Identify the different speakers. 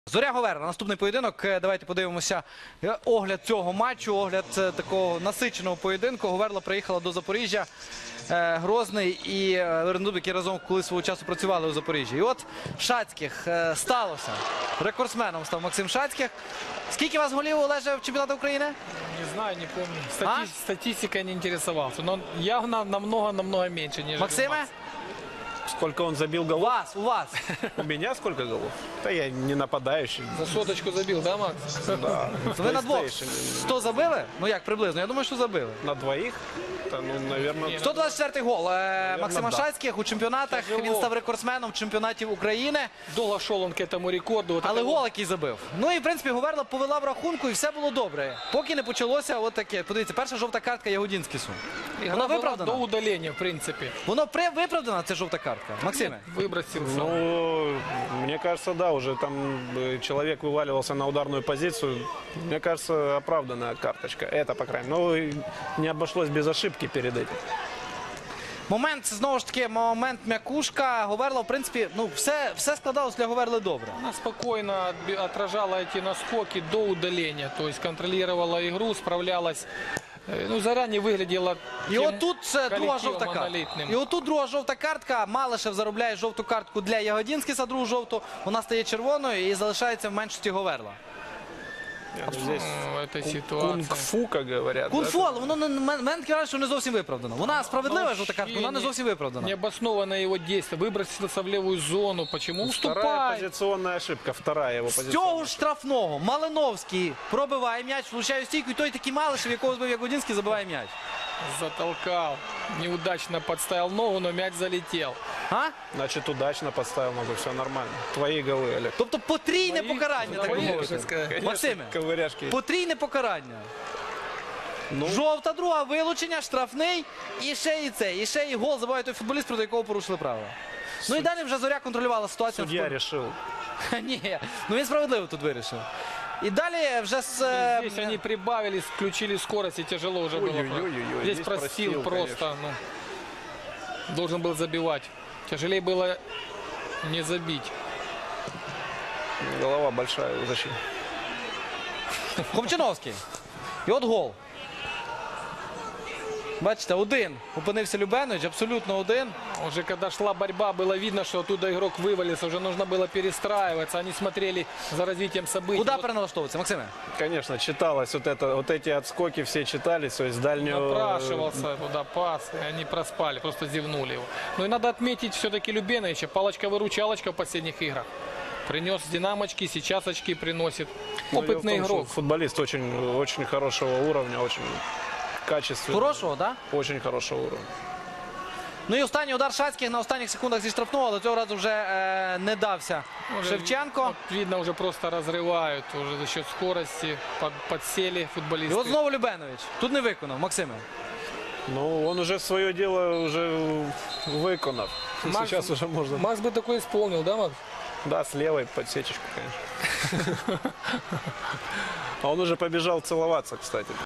Speaker 1: Зоря Говерла. Наступний поєдинок. Давайте подивимося огляд цього матчу, огляд такого насиченого поєдинку. Говерла приїхала до Запоріжжя, Грозний і Вернедуб, які разом колись свого часу працювали у Запоріжжі. І от Шацьких сталося. Рекордсменом став Максим Шацьких. Скільки у вас голів, Олеже, в чемпіонаті України?
Speaker 2: Не знаю, не помню. Статистика не интересовался. Но явно намного меньше, нежели
Speaker 1: Максиме?
Speaker 3: Сколько он забил голов?
Speaker 1: У вас.
Speaker 3: У меня сколько голов? Да я не нападающий.
Speaker 2: За соточку забил, да, Макс?
Speaker 3: Да.
Speaker 1: Ви на двох.
Speaker 3: PlayStation.
Speaker 1: 100 забили? Ну як, приблизно? Я думаю, що забили.
Speaker 3: На двоих? Да, ну, наверное...
Speaker 1: 124-й гол Максима
Speaker 3: да.
Speaker 1: Шацьких у чемпіонатах.
Speaker 2: Тяжело.
Speaker 1: Він став рекордсменом чемпіонатів України.
Speaker 2: Долго шел он к этому рекорду. Вот
Speaker 1: Але
Speaker 2: это
Speaker 1: гол який забив. Ну і, в принципі, Говерла повела в рахунку і все було добре. Поки не почалося от таке. Подивіться, перша жовта картка Ягодінськісу.
Speaker 2: игра
Speaker 1: Вона
Speaker 2: была
Speaker 1: виправдана?
Speaker 2: до удаления, в принципе.
Speaker 1: Воно виправдана, ця жовта картка? Максиме?
Speaker 2: Выбросился.
Speaker 3: Ну, мне кажется, да, уже там человек вываливался на ударную позицию. Мне кажется, оправданная карточка. Это, по крайней мере. Но и не обошлось без ошибки перед этим.
Speaker 1: Момент, знову ж таки, момент м'якушка. Говерла, в принципі, ну, все складалось для Говерли добре.
Speaker 2: Она спокойно отражала эти наскоки до удаления. То есть контролировала игру, справлялась. Ну, заранее выглядела
Speaker 1: І
Speaker 2: тем
Speaker 1: отут друга
Speaker 2: коллективом
Speaker 1: жовта картка.
Speaker 2: монолитным.
Speaker 1: І отут друга жовта картка. Малишев заробляє жовту картку для Ягодінськіса, другу жовту. Вона стає червоною і залишається в меншості Говерла.
Speaker 3: Здесь
Speaker 2: В этой ситуации.
Speaker 3: кунг-фу, как говорят.
Speaker 1: Кунг-фу,
Speaker 3: да?
Speaker 1: але воно мене таке враження, що не зовсім виправдано. Вона справедлива жовта картка, вона не зовсім виправдана.
Speaker 2: Необоснованное его действие. Выбросился в левую зону. Почему?
Speaker 3: Вторая
Speaker 2: Уступай.
Speaker 3: позиционная ошибка. Вторая его
Speaker 1: З
Speaker 3: позиционная.
Speaker 1: цього ж штрафного Малиновський пробиває м'яч, влучає у стійку, і той такий Малишев, якого збив Ягодінський, забиває м'яч.
Speaker 2: Затолкал. Неудачно подставил ногу, но мяч залетел.
Speaker 1: А?
Speaker 3: Значит, удачно подставил ногу, все нормально. Твои голы, Олег.
Speaker 1: Тобто потрійне покарання, так би
Speaker 2: твої,
Speaker 1: мовити.
Speaker 2: так сказати.
Speaker 1: Максиме,
Speaker 3: Ковыряшки.
Speaker 1: потрійне покарання.
Speaker 3: Ну,
Speaker 1: Жовта, друга, вилучення, штрафний, і ще і це, і ще і гол забиває той футболіст, проти якого порушили правила. Ну і далі вже Зоря контролювала ситуацію.
Speaker 3: судья решил.
Speaker 1: Ні, ну він справедливо тут вирішив. І далі вже з...
Speaker 2: Здесь они прибавили, включили скорость, и тяжело уже было.
Speaker 3: Ой-ой-ой,
Speaker 2: Здесь
Speaker 3: здесь
Speaker 2: простил
Speaker 3: простил,
Speaker 2: просто. Ну, должен был забивать. Тяжелее было не забить.
Speaker 3: Голова большая у защиты.
Speaker 1: Хомчиновський. І от гол. Бачите, один. Опинився Любенович, абсолютно один.
Speaker 2: Уже когда шла борьба, было видно, что оттуда игрок вывалился. Уже нужно было перестраиваться. Они смотрели за развитием событий.
Speaker 1: Куди
Speaker 2: Вот
Speaker 1: переналаштовуватися, Максиме?
Speaker 3: Конечно, читалось вот эти отскоки, все читались, то есть дальнюю...
Speaker 2: напрашивался туда пас, и они проспали, просто зевнули его. Ну и надо отметить все-таки Любеновича. Палочка-выручалочка в последних играх. Принес динамочки, сейчас очки приносит.
Speaker 3: Ну, дело в
Speaker 2: Опытный
Speaker 3: том, что
Speaker 2: игрок.
Speaker 3: Футболист очень хорошего уровня, очень качественный.
Speaker 1: Хорошого, так?
Speaker 3: Очень хорошего уровня.
Speaker 1: Ну і останній удар Шацьких на останніх секундах зі штрафного, але цього разу вже не дався
Speaker 2: Уже
Speaker 1: Шевченко.
Speaker 2: вот видно, уже просто разрывают. Уже за счет скорости подсели
Speaker 1: І
Speaker 2: футболисты.
Speaker 1: от знову Любенович. Тут не виконав, Максиме.
Speaker 3: Ну, он уже свое дело уже выконав.
Speaker 2: Макс-
Speaker 3: Сейчас уже можно...
Speaker 2: Макс бы такой исполнил, да, Макс?
Speaker 3: Да, с левой подсечечку, конечно. А он уже побежал целоваться, кстати.